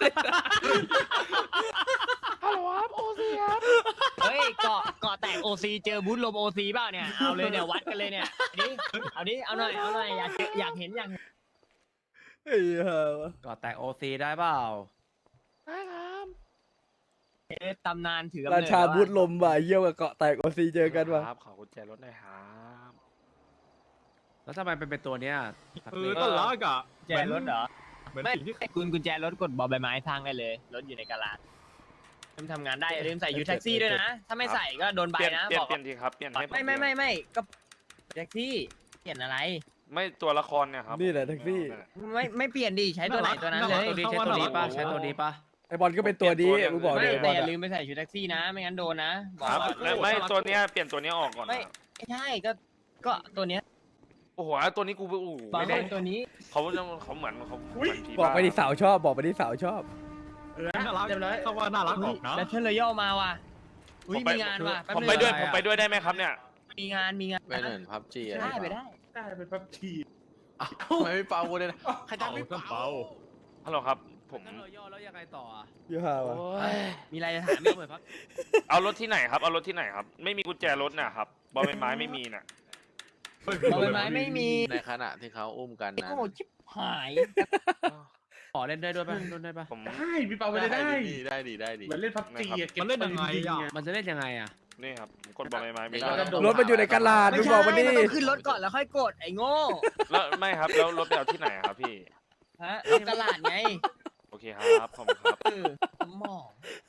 [SPEAKER 3] ฮัลโหลครับโอซีครับ
[SPEAKER 4] เฮ้ยเกาะเกาะแตกโอซีเจอบูธลมโอซีเปล่าเนี่ยเอาเลยเนี่ยวัดกันเลยเนี่ยดิเอาดิเอาหน่อยเอาหน่อยอยากเจออยากเห็นอยากเห็น
[SPEAKER 1] ไอ้เหี้ย
[SPEAKER 9] ก็แตกโอซีได้เปล่า
[SPEAKER 3] ได้ครับ
[SPEAKER 4] เอ๊ะตำนานถือกำ
[SPEAKER 1] รา
[SPEAKER 4] เนิด
[SPEAKER 1] ชา
[SPEAKER 4] แล้วอะ
[SPEAKER 1] บุตรลมว่ะเยี่ยวกับเกาะแตกโอซีเจอกันว่ะ
[SPEAKER 3] ครับขอกุญแจรถหน่อยครับ
[SPEAKER 9] แล้วทำไมเป็นเป็นตัวเนี้ย
[SPEAKER 10] เออต้นรักอ่ะ
[SPEAKER 4] กุญแจรถเหรอ
[SPEAKER 10] เหมือน
[SPEAKER 4] ไม่
[SPEAKER 10] สิ่งที่
[SPEAKER 4] คุณกุญแจรถกดบอใบไม้ทางได้เลยรถอยู่ในกาลาดทำทำงานได้อย่าลืมใส่ยูแท็กซี่ด้วยนะ ถ้าไม่ใส่ก็โดนใบ
[SPEAKER 3] เปลี่ยน
[SPEAKER 4] นะ
[SPEAKER 3] เปลี่ย
[SPEAKER 4] บ
[SPEAKER 3] น
[SPEAKER 4] อก
[SPEAKER 3] เปลี่ยนทีครับเปลี่ยนให้ผ
[SPEAKER 4] ไม่ไม่ไม่ไม่ก็แท็กซี่เปลี่ยนอะไร
[SPEAKER 3] ไม่ตัวละครเนี่ยครับ
[SPEAKER 1] นี่แหละแท็กซี่
[SPEAKER 4] ไม่ไม่เปลี่ยนดิใช้ตัวไหนตัวนั้นเลย
[SPEAKER 9] ตัวนี้ใช้ตัวนี้ป่ะใช้ตัวนี้ป่ะ
[SPEAKER 1] ไอบอลก็เป็นตัวนี้มึงบอก
[SPEAKER 4] ไม่
[SPEAKER 1] ดิไอบ
[SPEAKER 4] แต่
[SPEAKER 1] อล
[SPEAKER 4] อย่า
[SPEAKER 1] อะ
[SPEAKER 4] ลืมไปใส่ชุดแท็กซี่นะ ไม่งั้นโดนนะบอ
[SPEAKER 3] ค
[SPEAKER 4] ก
[SPEAKER 3] รับ
[SPEAKER 4] ก่อน
[SPEAKER 3] ไม่ไม่ตัวเนี้ยเปลี่ยนตัวเนี้ยออกก่อน
[SPEAKER 4] ไม่
[SPEAKER 3] นะ
[SPEAKER 4] ไม่ใช่ก็ก็ตัวเนี้ย
[SPEAKER 3] โอ้โหตัวนี้กูโอ้โห
[SPEAKER 4] บาง
[SPEAKER 3] ไม่
[SPEAKER 4] ค
[SPEAKER 3] ได้
[SPEAKER 4] นตัวนี้
[SPEAKER 3] เขาเขาเหมือนเขาเหมือนผี
[SPEAKER 1] บอกไป
[SPEAKER 3] บ้า
[SPEAKER 1] ดิสาวชอบบอกไปดิสาวชอบ
[SPEAKER 10] เออน่ารักเขาว่าน่ารักออกนะ
[SPEAKER 4] แล้วเทเลย่อมาว่ะอุ้ยมีงานว่ะแป๊บ
[SPEAKER 3] ผม
[SPEAKER 4] นึง
[SPEAKER 3] ไปด้วย
[SPEAKER 9] อะไร
[SPEAKER 3] ผม
[SPEAKER 9] อะ
[SPEAKER 3] ไปด้วยได้ไหมครับเนี่ย
[SPEAKER 4] มีงานมีงาน
[SPEAKER 8] ไปเหมือนพับจีอะไร
[SPEAKER 4] ได้ไปได้
[SPEAKER 5] ได้เป็นพับที
[SPEAKER 8] ทำไมไม่เป่ากูเลยนะใคร
[SPEAKER 10] เป่า
[SPEAKER 8] ทำไม่
[SPEAKER 10] ต้น
[SPEAKER 8] เป่า
[SPEAKER 10] เป่า
[SPEAKER 3] ฮัลโหลครับ ผม
[SPEAKER 9] งั้นเราย่อแล้วยังไงต่ออ่ะ
[SPEAKER 1] เหี้ยอะว่ะ
[SPEAKER 3] โอ้ย
[SPEAKER 4] มีอะไรจะถาม
[SPEAKER 9] ไม่
[SPEAKER 4] อีก
[SPEAKER 9] เหมือนพัก
[SPEAKER 3] เอารถที่ไหนครับเอารถที่ไหนครับ ไม่มีกุญแจรถน่ะครับบอลใบไม้ไม่มีน่ะ
[SPEAKER 4] บอใบไม้ไม่มี
[SPEAKER 8] ในขณะที่เขาอุ้มกัน
[SPEAKER 4] ไอ้
[SPEAKER 8] นะ
[SPEAKER 4] โง่ชิบหาย
[SPEAKER 9] ขอเล่นได้ด้วยป่ะเล่นได้ป่ะ
[SPEAKER 3] ผม
[SPEAKER 5] ได้พี่เปาไปเลยได้
[SPEAKER 8] ดีได้ดีได้ดี
[SPEAKER 5] เหมือนเล่นพับจีอะเก็บ
[SPEAKER 10] มันเล่นยังไงอ่ะ
[SPEAKER 9] มันจะเล่นยังไงอ่ะ
[SPEAKER 3] นี่ครับผมกดบอลใบไม้ไม่
[SPEAKER 8] นี่
[SPEAKER 3] ได้
[SPEAKER 8] ก็
[SPEAKER 1] รถมันอยู่ในกระลาด
[SPEAKER 4] ไม่
[SPEAKER 1] มึง
[SPEAKER 4] ใช่
[SPEAKER 1] บอกมาดิ
[SPEAKER 4] มันต้องขึ้นรถก่อนแล้วค่อยกดไอ้โง่
[SPEAKER 3] แล้วไม่ครับแล้วรถไปเอาที่ไหนอะครับพี่
[SPEAKER 4] ฮะรถตลาดไง
[SPEAKER 3] โอเคครับขอบคุณครับ
[SPEAKER 4] เออสมอง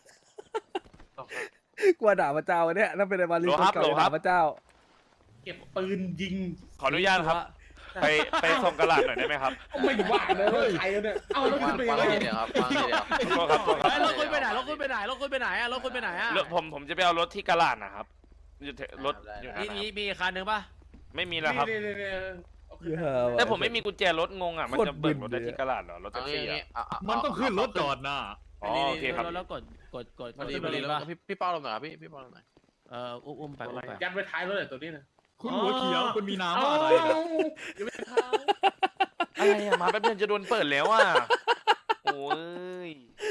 [SPEAKER 1] กลัวด่าพระเจ้าเนี่ยถ้าเป็นไอ้บอลลี
[SPEAKER 3] โหล
[SPEAKER 1] ค
[SPEAKER 3] ครั
[SPEAKER 1] น
[SPEAKER 3] บ
[SPEAKER 1] เก่า
[SPEAKER 3] โหล
[SPEAKER 1] จะ
[SPEAKER 3] ครั
[SPEAKER 1] ด่า
[SPEAKER 3] บ
[SPEAKER 1] พระเจ้า
[SPEAKER 5] เก็บปืนยิง
[SPEAKER 3] ขออนุญาตครับ ไปไปส่งกระดาษหน่อยได้ไหมครับ
[SPEAKER 5] ไม่ว่าเลยใครเนี่ยเอาแล้ว
[SPEAKER 8] วา
[SPEAKER 5] ขึ้
[SPEAKER 8] ง
[SPEAKER 5] นไป
[SPEAKER 8] วาง
[SPEAKER 5] เลย
[SPEAKER 8] ทีเดียวครับวางทีเดียว
[SPEAKER 3] โทษครับโทษครับ
[SPEAKER 9] ไอ้รถคุณไปไหนรถคุณไปไหนรถคุณไปไหนอ่ะรถคุณไปไหนอ่ะ
[SPEAKER 3] รถผมผมจะไปเอารถที่กระดาษนะครับอยู่แถวรถอยู่
[SPEAKER 9] มีมีมีอีกคันหนึ่งป่ะ
[SPEAKER 3] ไม่มีแล้วครับ
[SPEAKER 5] นี่นี่นี่เอาขึ้น
[SPEAKER 1] เหี้ย
[SPEAKER 5] ไป
[SPEAKER 1] อะว่ะ
[SPEAKER 3] แต่ผมไม่มีกุญแจรถงงอ่ะมัน
[SPEAKER 1] โคตร
[SPEAKER 3] จะเบิกรถได้
[SPEAKER 1] บึนเลย
[SPEAKER 3] ที่กระดาษเหรอรถแท็
[SPEAKER 8] เอา
[SPEAKER 3] ก
[SPEAKER 8] งี้
[SPEAKER 3] ซี่
[SPEAKER 8] งี้
[SPEAKER 3] อ่ะ
[SPEAKER 8] เอาเอา
[SPEAKER 10] มันต้องขึ้นรถก่อนนะ
[SPEAKER 3] อ๋อโอเคครับ
[SPEAKER 9] แล้วกดกดกด
[SPEAKER 8] พอดีพอดีแล้วพี่พี่เป้าลงหน่อยครับพี่พี่เป้าลงหน่อย
[SPEAKER 9] เอออุ้มอุ้มไปอุ้มไป
[SPEAKER 5] ยัดไว้ท้ายรถเลยตัวนี้นะ
[SPEAKER 10] คุณหัวเขียวคุณมีน้ำ
[SPEAKER 5] เอา
[SPEAKER 10] อะไรนะ
[SPEAKER 5] ยังไม่เข้า
[SPEAKER 3] อะไรอ่ะมาแป๊บเดียวจะโดนเปิดแล้วอ่ะโอ้ย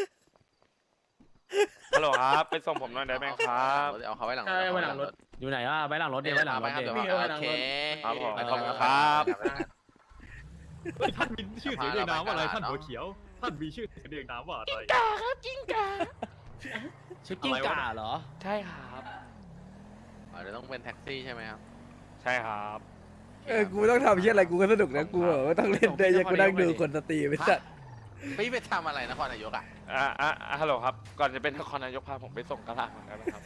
[SPEAKER 3] ฮัลโหลครับไปส่งผมหน่อยได้ไหมครับ
[SPEAKER 8] เอาเขาไว้หลัง
[SPEAKER 5] ใช่ไว้หลังรถ
[SPEAKER 9] อยู่ไหนอ่ะไว้หลังรถเดี๋ยวไว้หลังรถ
[SPEAKER 8] ครับ
[SPEAKER 9] เดี๋ยว
[SPEAKER 8] เดี๋ยวโอเค
[SPEAKER 3] ครับผม
[SPEAKER 8] เออ
[SPEAKER 3] ขอบคุณครับ
[SPEAKER 10] เฮ้ยท่านมีชื่อเสียงเรียงนามว่าอะไรท่านหัวเขียว ท่านมีชื่อเสียงเรียงนามว่าอะไร
[SPEAKER 9] ชื่อกิ้งก่าเหรอ
[SPEAKER 3] ใช่ครับ
[SPEAKER 8] อ๋อเดี๋ยวต้องเป็นแท็กซี่ใช่ไหมครับ
[SPEAKER 3] ใช่ครับ
[SPEAKER 1] เออกูต้องทำเชี่ยอะไรกูก็สนุกนะกูแบบว่าต้องเล่นได้ยังกูนั่งดูคนสตรีมไปสัตว์
[SPEAKER 8] พี่ไปทำอะไรนครนายกอ่ะ
[SPEAKER 3] อ่าอ่าอ่าฮัลโหลครับ ก่อนจะเป็นนครนายกพาผมไปส่งกระลาก่อนได้ไหมครับ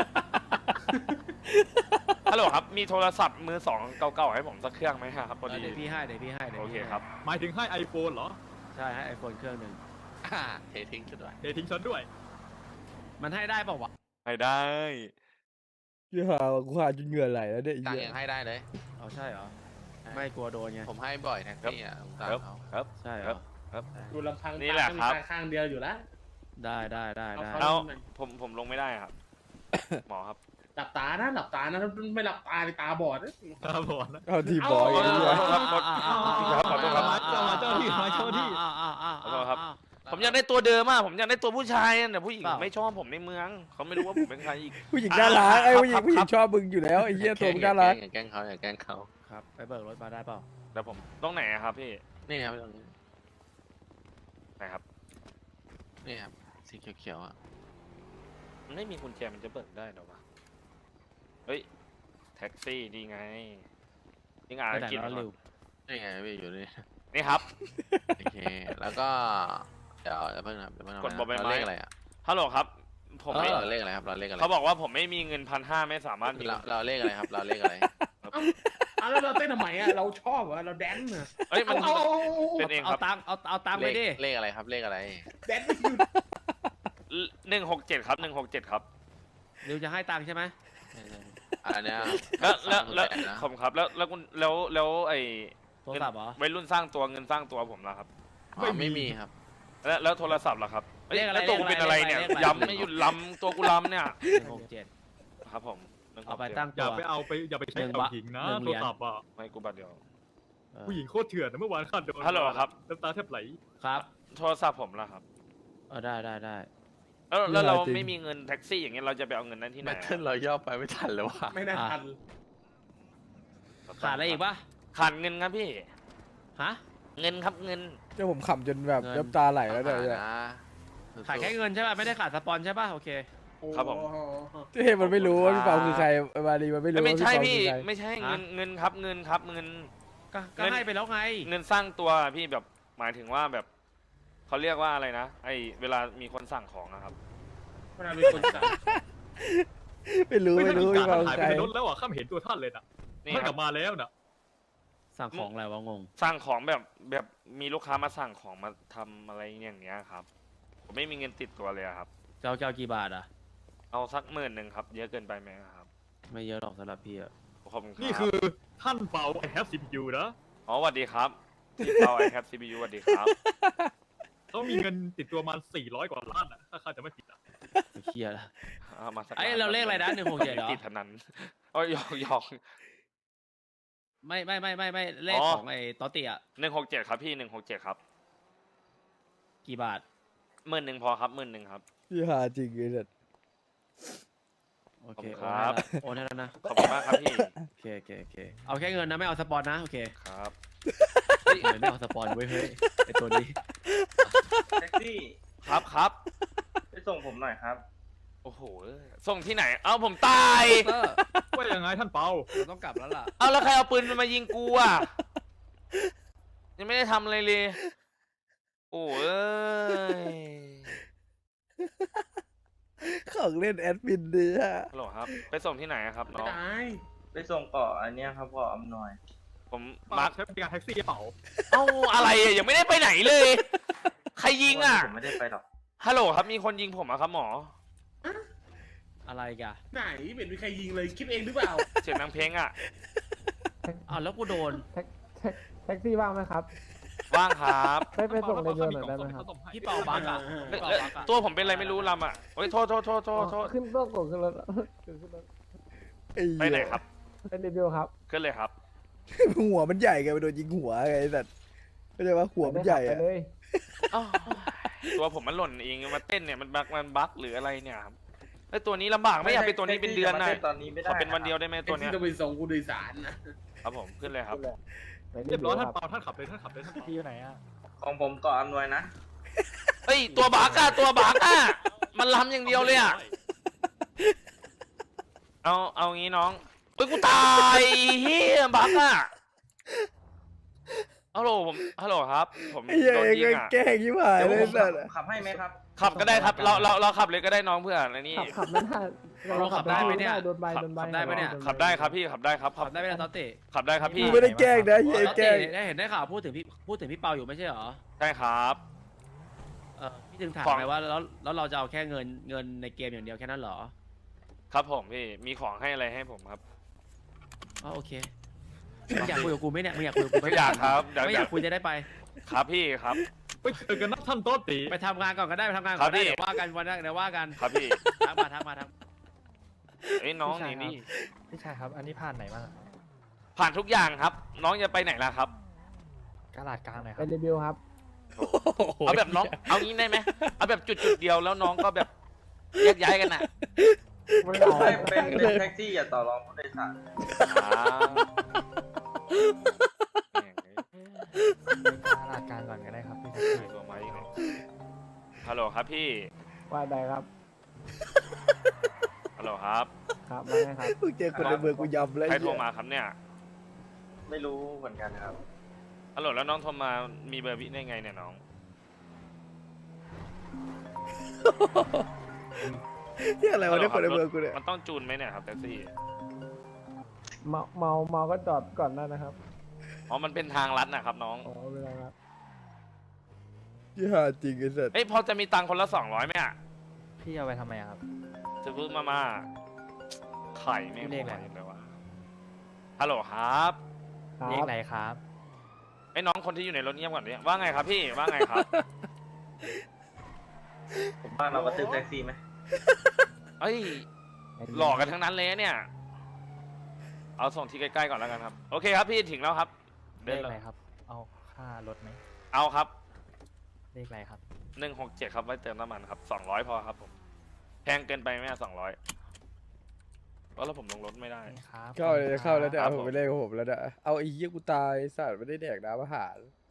[SPEAKER 3] ฮัลโหลครับ มีโทรศัพท์มือสองเก่าๆให้ผมสักเครื่องไหมครับพอดี
[SPEAKER 9] เดี๋ยวพี่ให้เดี๋ยวพี่ให้ดี๋ยว
[SPEAKER 3] โอ
[SPEAKER 9] พี่
[SPEAKER 3] เค
[SPEAKER 9] ให้
[SPEAKER 3] ครับ
[SPEAKER 10] หมายถึงให้ไอโฟนเหรอ
[SPEAKER 9] ใช่ให้ไอโฟนเครื่องหนึ่ง
[SPEAKER 8] อ่าเททิ้งชุดด้วย
[SPEAKER 10] เททิ้งฉันด้วย
[SPEAKER 9] มันให้ได้เปล่าวะ
[SPEAKER 3] ให้ได้
[SPEAKER 1] เหี้ยอะว่ะกูหาจนเหงื่อไหลแล้วเนี่ยไอ้
[SPEAKER 8] ตัง
[SPEAKER 1] เหี้
[SPEAKER 8] ค์
[SPEAKER 1] ย
[SPEAKER 8] ยังให้ได้เลย
[SPEAKER 9] เอาใช่เหรอไม่กลัวโดนไง
[SPEAKER 8] ผมให้บ่อยแท็กซี่อ่ะผมตัง
[SPEAKER 3] ครับ
[SPEAKER 8] ค์เขา
[SPEAKER 3] ครับ
[SPEAKER 9] ใช่เหร
[SPEAKER 3] ครั
[SPEAKER 9] อบ
[SPEAKER 3] ครับ
[SPEAKER 5] ดูลำพัง
[SPEAKER 3] นี่แหละครับ
[SPEAKER 5] ตาข้างเดียวอยู่แล้ว
[SPEAKER 9] ได้ได้ได้ได้
[SPEAKER 5] เอา
[SPEAKER 3] เอา
[SPEAKER 5] หน่อย
[SPEAKER 3] ผมผมลงไม่ได้ครับ หมอครับ
[SPEAKER 5] หลับตานะหลับตานะไม่หลับตาในตาบอดนะ
[SPEAKER 10] ครับผมนะ
[SPEAKER 1] เอาทีบอยไอ้เหี้ย
[SPEAKER 3] ขอโทษครับขอขอโทษครับ
[SPEAKER 10] เจ้าเจ้าที่เจ้าที่
[SPEAKER 3] ขอโทษครับ ผมอยากได้ตัวเดิมอ่ะผมอยากได้ตัวผู้ชายอะแต่ผู้หญิง
[SPEAKER 9] เปล่า
[SPEAKER 3] ไม่ชอบผมในเมือง เขาไม่รู้ว่าผมเป็นใครอีก
[SPEAKER 1] ผู้หญิงน่ารักไอ้ผู้หญิง
[SPEAKER 3] ครับ
[SPEAKER 1] ผู้หญิงชอบมึงอยู่แล้วไอ้เหี้ยตัวมึงน่ารัก
[SPEAKER 8] อย่าแกล้งเขาอย่าแกล้งเขา
[SPEAKER 9] ครับไปเบิกรถมาได้เปล่า
[SPEAKER 3] แต่ผมต้องไหนอะครับพี่
[SPEAKER 8] นี่ครับตรงนี้
[SPEAKER 3] ไหนครับ
[SPEAKER 8] นี่ครับสีเขียวๆอ่ะ
[SPEAKER 3] มันไม่มีกุญแจมันจะเบิกได้เหรอวะเฮ้ยแท็กซี่นี่ไงนี่งาน
[SPEAKER 9] ไป
[SPEAKER 3] อะไร
[SPEAKER 9] ไหน
[SPEAKER 3] กิน
[SPEAKER 9] แล้ว
[SPEAKER 3] ก่อน
[SPEAKER 9] เร็ว
[SPEAKER 8] นี่ไงพี่อยู่นี่
[SPEAKER 3] นี่ครับ
[SPEAKER 8] โอเคแล้วก็เดี๋ยวเดี๋ยวเพิ่งนะครับเดี๋ยวเพิ่งนะ
[SPEAKER 3] กดบอกใบไม้
[SPEAKER 8] เราเลขอะไรอ่ะ
[SPEAKER 3] ฮัลโหลครับ ผม
[SPEAKER 8] เรา
[SPEAKER 3] ไม่
[SPEAKER 8] เราเลขอะไรครับเราเลขอะไร
[SPEAKER 3] เขาบอกว่าผมไม่มีเงินพันห้าไม่สามารถมี
[SPEAKER 8] เราเราเลขอะไรครับเราเลขอะไร
[SPEAKER 5] เอาแล้วเราเต้นทำไมอ่ะเราชอบเหรอเราแดนซ์เหรอ
[SPEAKER 3] เอ้ยมัน
[SPEAKER 5] เอาเอาเอาเอา
[SPEAKER 3] เป็นเองค
[SPEAKER 9] เอา
[SPEAKER 3] รับ
[SPEAKER 9] ตังค์เอาเอาตังค์ไป
[SPEAKER 8] เลข
[SPEAKER 9] ดิ
[SPEAKER 8] เลขอะไรครับเลขอะไร
[SPEAKER 5] แดนซ์ไม่หยุด
[SPEAKER 3] หนึ่งหกเจ็ดครับหนึ่งหกเจ็ดครับ
[SPEAKER 9] เร็วจะให้ตังค์ใช่ไหม
[SPEAKER 8] อันเนี้ย
[SPEAKER 3] แล้วแล้วแล้ว
[SPEAKER 8] สามหมื่นปดนะ
[SPEAKER 3] ผมครับแล้วแล้วคุณแล้วแล้วไอ้
[SPEAKER 9] โทรศัพท์เหรอ
[SPEAKER 3] วัยรุ่นสร้างตัวเงินสร้างตัวผมล่ะครับ
[SPEAKER 8] อ๋อไม่มีครับ
[SPEAKER 3] แล้วแล้วโทรศัพท์ล่ะครับอ้ย
[SPEAKER 4] เลขอะไร
[SPEAKER 3] แล้วตัวกูเป็นอะไรเนี่ย
[SPEAKER 4] เลขอะไร
[SPEAKER 3] ย้ำไม่หยุดล้ำตัวกูล้ำเนี่ย
[SPEAKER 4] หนึ่งหกเจ็ด
[SPEAKER 3] ครับผมหนึ่งห
[SPEAKER 9] เอา
[SPEAKER 3] ก
[SPEAKER 9] ไป
[SPEAKER 3] จ็ด
[SPEAKER 9] ตั้ง
[SPEAKER 10] อ
[SPEAKER 9] ตั
[SPEAKER 10] ย่าว ไปเอาไปอย่าไปใช้
[SPEAKER 9] หนึ่ง
[SPEAKER 10] กับ
[SPEAKER 9] บาท
[SPEAKER 10] หญิงนะ
[SPEAKER 9] หนึ่งเห
[SPEAKER 10] โท
[SPEAKER 9] รี
[SPEAKER 10] ร
[SPEAKER 9] ยญ
[SPEAKER 10] ศัพท์อ่ะ
[SPEAKER 3] ไม่กูบัตรเดียว
[SPEAKER 9] เออ
[SPEAKER 10] ผู้หญิงโคตรเถื่อนนะเมื่อวานข้าโดน
[SPEAKER 3] ฮัลโหลครับ
[SPEAKER 10] น้ำตาแทบไหล
[SPEAKER 9] ครับ
[SPEAKER 3] โทรศัพท์ผมล่ะครับ
[SPEAKER 9] เออได้ได้ได้
[SPEAKER 3] แล้วแล้วเรา
[SPEAKER 1] จริง
[SPEAKER 3] ไม่มีเงินแท็กซี่อย่างเงี้ยเราจะไปเอาเงินนั้นที่ไห
[SPEAKER 8] แบ
[SPEAKER 3] น
[SPEAKER 8] ต
[SPEAKER 3] อะ
[SPEAKER 8] เทิลเราย่อไปไม่ทันเลยว่ะ
[SPEAKER 5] ไม่น่าทัน
[SPEAKER 9] ขาดอะไรอีกปะ
[SPEAKER 3] ขาดเงินครับพี่
[SPEAKER 9] ฮะ
[SPEAKER 3] เงินครับเงิน
[SPEAKER 1] เจ้าผมขำจนแบบ
[SPEAKER 9] เงิน
[SPEAKER 1] น้ำตาไหลแล้วเนี่ย
[SPEAKER 8] นะ
[SPEAKER 9] ขาดแค่เงินใช่ป่ะไม่ได้ขาดสปอนใช่ป่ะโอเค
[SPEAKER 3] ครับผม
[SPEAKER 1] เจ้มันไม่รู้ว่าพี่เปาคือใครมาดีมันไม่รู้
[SPEAKER 3] ไม่
[SPEAKER 1] ว่า
[SPEAKER 3] ใช่
[SPEAKER 1] พี่
[SPEAKER 3] พี่
[SPEAKER 1] เปาคือใคร
[SPEAKER 3] ไม่ใช่
[SPEAKER 9] ฮะ
[SPEAKER 3] เงินเงินครับเงินครับเงิน
[SPEAKER 9] ก็ก็
[SPEAKER 3] เงิน
[SPEAKER 9] ให้ไปแล้วไง
[SPEAKER 3] เงินสร้างตัวพี่แบบหมายถึงว่าแบบเขาเรียกว่าอะไรนะไอเวลามีคนสั่งของอะครับ
[SPEAKER 5] เวลามีคนสั่ง
[SPEAKER 1] ไม่รู้ไม่รู้
[SPEAKER 10] ไม่
[SPEAKER 1] พี่
[SPEAKER 10] ท่า
[SPEAKER 1] เปาน
[SPEAKER 10] หาย
[SPEAKER 1] คือ
[SPEAKER 10] ไป
[SPEAKER 1] ใคร
[SPEAKER 10] ในรถแล้วอ่ะข้าไม่เห็นตัวท่านเลยนะ
[SPEAKER 3] นี่
[SPEAKER 10] ท่าน
[SPEAKER 3] ค
[SPEAKER 10] ก
[SPEAKER 3] รั
[SPEAKER 10] ลั
[SPEAKER 3] บบ
[SPEAKER 10] มาแล้วนะ
[SPEAKER 9] สั่งของอะไรวะงง
[SPEAKER 3] สั่งของแบบแบบมีลูกค้ามาสั่งของมาทำอะไรอย่างเงี้ยครับ ผมไม่มีเงินติดตัวเลยอะครับ
[SPEAKER 9] เจ้าเจ้ากี่บาทอ่ะ
[SPEAKER 3] เอาสักหมื่นหนึ่งครับ เยอะเกินไปไหมครับ
[SPEAKER 9] ไม่เยอะหรอกสำหรับพี่อะ
[SPEAKER 3] ขอบคุณครับ
[SPEAKER 10] นี่คือท่านเปาไอแฮปซีพียูนะ
[SPEAKER 3] อ๋อสวัสดีครับที่เปาไอแคปซีบียูสวัสดีครับ
[SPEAKER 10] เขามีเงินติดตัวมาสี่ร้อยกว่าล้านอ่ะถ้าข้าจะไม่ผิดอ่ะ
[SPEAKER 9] ไม่เคลียร์ละ
[SPEAKER 3] เอามาสัก
[SPEAKER 9] ไอ้
[SPEAKER 3] ล้น
[SPEAKER 9] เราเลขอะไรนะหนึ่งหกเจ็ดเหรอ
[SPEAKER 3] ติดพนันโอ้ยหยอกหยอก
[SPEAKER 9] ไม่ไม่ไม่ไม่ไม่เลข
[SPEAKER 3] อ๋อ
[SPEAKER 9] ของไอ้ตอเตีย
[SPEAKER 3] หนึ่งหกเจ็ดครับพี่หนึ่งหกเจ็ดครับ
[SPEAKER 9] กี่บาท
[SPEAKER 3] หมื่นหนึ่งพอครับหมื่นหนึ่งครับ
[SPEAKER 1] พี่หาจริงเลยเนี่ย
[SPEAKER 9] โอเค
[SPEAKER 3] ขอบคุณ
[SPEAKER 9] โอนให้
[SPEAKER 3] ครับ
[SPEAKER 9] ละโอนให้แล้วนะ
[SPEAKER 3] ขอบคุณมากครับพี่
[SPEAKER 9] โอเคโอเคโอเคเอาแค่เงินนะไม่เอาสปอนนะโอเค
[SPEAKER 3] ครับ
[SPEAKER 9] เฮ้ยไม่เอาสปอนเว้ยเฮ้ยไอตัวนี้
[SPEAKER 11] แท็กซี่
[SPEAKER 3] ครับครับ
[SPEAKER 11] ไปส่งผมหน่อยครับ
[SPEAKER 3] โอ้โหส่งที่ไหน เอาผมตาย
[SPEAKER 9] เตอร์
[SPEAKER 10] ว่ายังไงท่านเปา
[SPEAKER 9] เราต้องกลับแล้วล่ะ
[SPEAKER 3] เอาแล้วใครเอาปืนมายิงกูอ่ะ ยังไม่ได้ทำอะไรเลย โอ้เอ้ย
[SPEAKER 1] ของเล่นแอดมินดีฮะ
[SPEAKER 3] ฮัลโหลครับ ไปส่งที่ไหนอะครับ
[SPEAKER 5] ไม่
[SPEAKER 3] น้อง
[SPEAKER 5] ได้
[SPEAKER 11] ไปส่งเกาะอันเนี้ยครับเกาะอำนวย
[SPEAKER 3] ผม
[SPEAKER 10] มา
[SPEAKER 3] มาร์ค
[SPEAKER 10] ใช้บริการแท็กซี่เปล่า
[SPEAKER 3] เอ้าอะไรอะยังไม่ได้ไปไหนเลย ใครยิงอ่ะ
[SPEAKER 11] ผมไม่ได้ไปหรอก
[SPEAKER 3] ฮัลโหลครับมีคนยิงผมอะครับหมอ
[SPEAKER 9] อะไรกัน
[SPEAKER 5] ไหนไม่เห็นมีใครยิงเลยคิดเองหรือเปล่า
[SPEAKER 3] เสียงนางเพลงอ่ะ
[SPEAKER 9] อ้าวแล้วกูโดน
[SPEAKER 12] แท็กซี่ว่างไหมครับ
[SPEAKER 3] ว่างครับ
[SPEAKER 12] ไปไปส่งในเดือนหน่อยได้ไหมครับ
[SPEAKER 9] พี่เปาบักอะ
[SPEAKER 5] เออ
[SPEAKER 9] พี่เปา
[SPEAKER 3] เอ้ย
[SPEAKER 9] บักอะ
[SPEAKER 3] ตัวผมเป็นอะไรไม่รู้ลำอ่ะโอ้ยโทษโทษโทษโทษโทษ
[SPEAKER 12] ขึ้นต้องกดขึ้นรถขึ้นรถ
[SPEAKER 1] อ้
[SPEAKER 3] ไปไหนครับ
[SPEAKER 12] เป็นรีวิวครับ
[SPEAKER 3] ขึ้นเลยครับ
[SPEAKER 1] หัวมันใหญ่ไงไปโดนยิงหัวไงไอ้สัตว์เข้าใจว่าหัวมันใหญ่
[SPEAKER 12] ไป
[SPEAKER 1] อะ
[SPEAKER 12] เลย
[SPEAKER 3] อ้าวตัวผมมันหล่นเองมาเต้นเนี่ยมันบักมันบักหรืออะไรเนี่ยครับไอยตัวนี้ลำบากไม่อยากเป็นตัวนี้เป็นเดือนนะ
[SPEAKER 11] แท็กซี่จะมาต้ตอนนี้ไม่ได้
[SPEAKER 3] ขอเป็นวันเดียวได้ไหม
[SPEAKER 5] แท็
[SPEAKER 3] ตัว
[SPEAKER 5] ก
[SPEAKER 3] เนี้
[SPEAKER 5] ซี่
[SPEAKER 3] ย
[SPEAKER 5] ต้องไปส่งผู้โดยสารนะครับ
[SPEAKER 3] ผมขึ้นเลยครับ
[SPEAKER 12] ไป
[SPEAKER 10] เรียบร้อย
[SPEAKER 12] ค
[SPEAKER 10] ท่าน
[SPEAKER 12] บ
[SPEAKER 10] เปาท่านขับเลยท่านขับเลยท่านเปา
[SPEAKER 9] พี่อยู่ไหนอะ
[SPEAKER 11] ของผมเกาะอำนวยนะ
[SPEAKER 3] เอ้ยตัวบักอะตัวบักอะมันล้ำอย่างเดียวเลยอะเอาเอางี้น้องเอ้ยกูตายเฮียบักอะฮัลโหลผมฮัลโหลครับ ผม
[SPEAKER 1] ไอ้เหี้ย
[SPEAKER 3] โดน
[SPEAKER 1] ไอ้
[SPEAKER 3] ยิง
[SPEAKER 1] เหี้ย
[SPEAKER 3] อะ
[SPEAKER 1] แกล้งยี่ห้าย
[SPEAKER 11] เดี๋ยว
[SPEAKER 1] เลย
[SPEAKER 11] ผม
[SPEAKER 1] สัตว์
[SPEAKER 11] ขับให้ไหมครับ
[SPEAKER 3] ขับก็ได้ครับเราเราเราขับเลยก็ได้น้องเพื่อนอะไรนี่
[SPEAKER 12] ขับขับไม่ได้
[SPEAKER 9] เราขับได้ไหมเนี่ย
[SPEAKER 12] โดนใบ
[SPEAKER 3] ขับ
[SPEAKER 12] โดนใบ
[SPEAKER 9] ขับได้ไหมเนี่ย
[SPEAKER 3] ขับได้ครับพี่ขับได้ครับ
[SPEAKER 9] ขับได้ไหมล่ะตอเต้
[SPEAKER 3] ขับได้ครับพี่
[SPEAKER 1] กูไม่ได้แกล้งนะเฮีย
[SPEAKER 9] ตอ
[SPEAKER 1] แกล้
[SPEAKER 9] เต้
[SPEAKER 1] ง
[SPEAKER 9] ได้เห็นได้ข่าวพูดถึงพี่พูดถึงพี่เปาอยู่ไม่ใช่เหรอ
[SPEAKER 3] ใช่ครับ
[SPEAKER 9] เออพี่ถึงถาม
[SPEAKER 3] ของ
[SPEAKER 9] ไงว่าแล้วแล้วเราจะเอาแค่เงินเงินในเกมอย่างเดียวแค่นั้นเหรอ
[SPEAKER 3] ครับผมพี่มีของให้อะไรให้ผมครับ
[SPEAKER 9] อ๋อโอเคมึงอยากคุยกับกูไหมเนี่ยมึงอยากคุยกับกูไหม
[SPEAKER 3] ไม่อยากครับเดี๋ยว
[SPEAKER 9] ไม่อยากคุยจะได้ไป
[SPEAKER 3] ครับพี่ครับ
[SPEAKER 10] ไปเจอกันนะท่านโต๊ะตี
[SPEAKER 9] ไปทำงานก่อนก็ได้ไปทำงานก่อน
[SPEAKER 3] ครั
[SPEAKER 9] ก็
[SPEAKER 3] บ
[SPEAKER 9] ได้
[SPEAKER 3] พี่
[SPEAKER 9] เดี๋ยวว่ากันวันนั้นเดี๋ยวว่ากัน
[SPEAKER 3] ครับพี่
[SPEAKER 9] ทักมาทักมาทัก
[SPEAKER 3] เอ้ยน้องนี่นี่
[SPEAKER 12] พี่ชายครับ อันนี้ผ่านไหนบ้าง
[SPEAKER 3] ผ่านทุกอย่างครับ น้องจะไปไหนล่ะครับ
[SPEAKER 12] กาลาดกลางหน่อยครับเป็นรีวิวครับ
[SPEAKER 3] เอาแบบน้องเอางี้ได้ไหมเอาแบบจุดจุดๆเดียวแล้วน้องก็แบบแยกย้ายกันน่ะ
[SPEAKER 12] ไม่เอา
[SPEAKER 11] เป็นเป็นเป็นแท็กซี่อย่าต่อรองผู้โดยสาร
[SPEAKER 3] อ่า
[SPEAKER 12] กาลาดกลางก่อนก็ได้ครับพี่
[SPEAKER 3] ตัวไม้ยังไงฮัลโหลครับพี่
[SPEAKER 12] ว่าใดครับ
[SPEAKER 3] ฮัลโหลครับ
[SPEAKER 12] ครับว่าไงครับ
[SPEAKER 1] มึงเจอคนในเมืองกูยำแล้ว
[SPEAKER 3] ใคร
[SPEAKER 1] ไอ้
[SPEAKER 3] โทร
[SPEAKER 1] เหี้ย
[SPEAKER 3] มาครับเนี่ย
[SPEAKER 11] ไม่รู้เหมือนกันครับ
[SPEAKER 3] ฮัลโหลแล้วน้องโทรมามีเบอร์พี่ได้ไงเนี่ยน้อง
[SPEAKER 1] เฮียอะไรวะเนี่ยคนในเมืองกูเนี่ย
[SPEAKER 3] มันต้องจูนไหมเนี่ยครับแท็กซี่
[SPEAKER 12] เมาเมาเมาก็จอดก่อนได้นะครับ
[SPEAKER 3] อ๋อมันเป็นทางลัดนะครับน้อง
[SPEAKER 12] อ๋อเวลาครับ
[SPEAKER 1] ยี่หาจริงไอ้สัตว์
[SPEAKER 3] เอ้ยพอจะมีตังค์คนละสองร้อยไหมอ่ะ
[SPEAKER 12] พี่เอาไปทำไมครับ
[SPEAKER 3] จะพูดมามาไข่ไม่
[SPEAKER 12] เลขอะไร
[SPEAKER 3] เลยวะฮัลโหลครับ
[SPEAKER 12] เลขไหนครับ
[SPEAKER 3] ไอ้น้องคนที่อยู่ในรถเงียบก่อนเนี่ยว่าไงครับพี่ว่าไงครับ
[SPEAKER 11] ผมว่าเรากระตือแท็กซี่ไหม
[SPEAKER 3] เอ้ยหลอกกันทั้งนั้นเลยเนี่ย เอาส่งที่ใกล้ๆก่อนแล้วกันครับ โอเคครับพี่ถึงแล้วครับ
[SPEAKER 12] เลขอะไรครับ เอาค่ารถไหม
[SPEAKER 3] เอาครับ
[SPEAKER 12] เลขอะไรครับ
[SPEAKER 3] หนึ่งหกเจ็ดครับไว้เติมน้ำมันครับสองร้อยพอครับผมแพงเกินไปไหมสองร้อยแล้วผมลงรถไม่ได้
[SPEAKER 12] ครับ
[SPEAKER 1] เข้าเลยเข้าแล้วเนี่ย
[SPEAKER 3] ครั
[SPEAKER 1] เอา
[SPEAKER 3] บ
[SPEAKER 1] ผม
[SPEAKER 3] ผม
[SPEAKER 1] ไปเล่นกับผมแล้วเนี่ยเอาไอ้เหี้ยกูตายไอ้สัตว์ไม่ได้แดกน้ำอาหาร